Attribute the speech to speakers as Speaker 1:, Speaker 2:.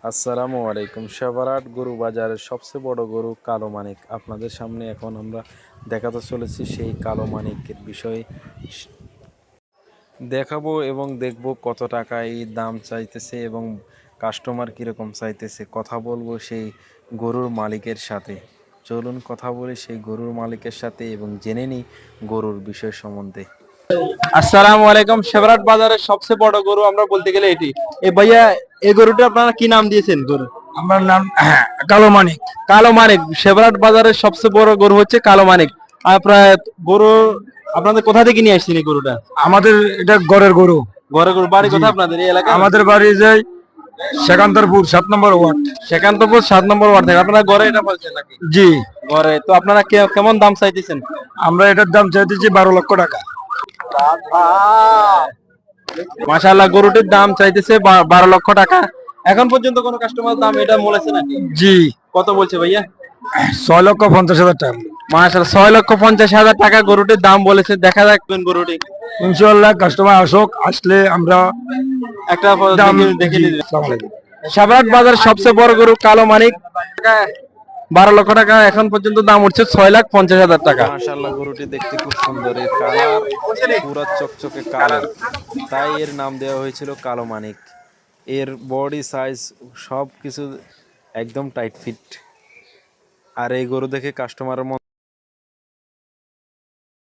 Speaker 1: আসসালামু আলাইকুম। সেবারাট গরু বাজারের সবচেয়ে বড় গরু কালো মানিক আপনাদের সামনে এখন আমরা দেখাতে চলেছি। সেই কালো মানিকের বিষয়ে দেখাবো এবং দেখব কত টাকা এই দাম চাইতেছে এবং কাস্টমার কীরকম চাইতেছে। কথা বলবো সেই গরুর মালিকের সাথে। চলুন কথা বলি সেই গরুর মালিকের সাথে এবং জেনে নিই গরুর বিষয় সম্বন্ধে।
Speaker 2: আসসালামু আলাইকুম। সেবরাট বাজারের সবচেয়ে বড় গরু আমরা বলতে গেলে এটি। এ ভাইয়া, এই গরুটা আপনারা কি নাম দিয়েছেন? গরু
Speaker 3: আমার নাম কালো মানিক।
Speaker 2: কালো মানিক। সেবরাট বাজারের সবচেয়ে বড় গরু হচ্ছে কালো মানিক। আপনার গরু আপনাদের কোথা থেকে নিয়ে আসছেন এই গরুটা?
Speaker 3: আমাদের এটা গড়ের গরু।
Speaker 2: ঘরে গরু বাড়ি
Speaker 3: জি।
Speaker 2: কোথায় আপনাদের এই এলাকায়?
Speaker 3: আমাদের বাড়ি যাই সেকান্তরপুর 7 নম্বর ওয়ার্ড।
Speaker 2: সেকান্তপুর 7 নম্বর ওয়ার্ড থেকে আপনারা ঘরে এটা বলছেন নাকি?
Speaker 3: জি,
Speaker 2: ঘরে তো আপনারা কেমন দাম চাইতেছেন?
Speaker 3: আমরা এটার দাম চাইতেছি 12 লক্ষ টাকা।
Speaker 2: মাশাআল্লাহ, গরুটির দাম চাইতেছে 12 লক্ষ টাকা। এখন পর্যন্ত কোনো কাস্টমার দাম এটা বলেছে নাকি?
Speaker 3: জি,
Speaker 2: কত বলছে ভাইয়া?
Speaker 3: 6,50,000 টাকা।
Speaker 2: মাশাআল্লাহ, 6,50,000 টাকা গরুটির দাম বলেছে। দেখা যাক গরুটি
Speaker 3: ইনশাআল্লাহ কাস্টমার আসলে আমরা
Speaker 2: একটা
Speaker 3: দাম
Speaker 2: দেখে
Speaker 3: জি,
Speaker 2: নিতে।
Speaker 3: আসসালামু আলাইকুম।
Speaker 2: সাভারহাট বাজার সবচেয়ে বড় গরু কালো মানিক 12 লক্ষ টাকা। এখন পর্যন্ত দাম উঠছে 6,50,000 টাকা।
Speaker 1: মাশাআল্লাহ, গরুটি দেখতে খুব সুন্দর, এর কালার পুরা চকচকে কালো, তাই এর নাম দেওয়া হয়েছিল কালো মানিক। এর বডি সাইজ সব কিছু একদম টাইট ফিট, আর এই গরু দেখে কাস্টমারের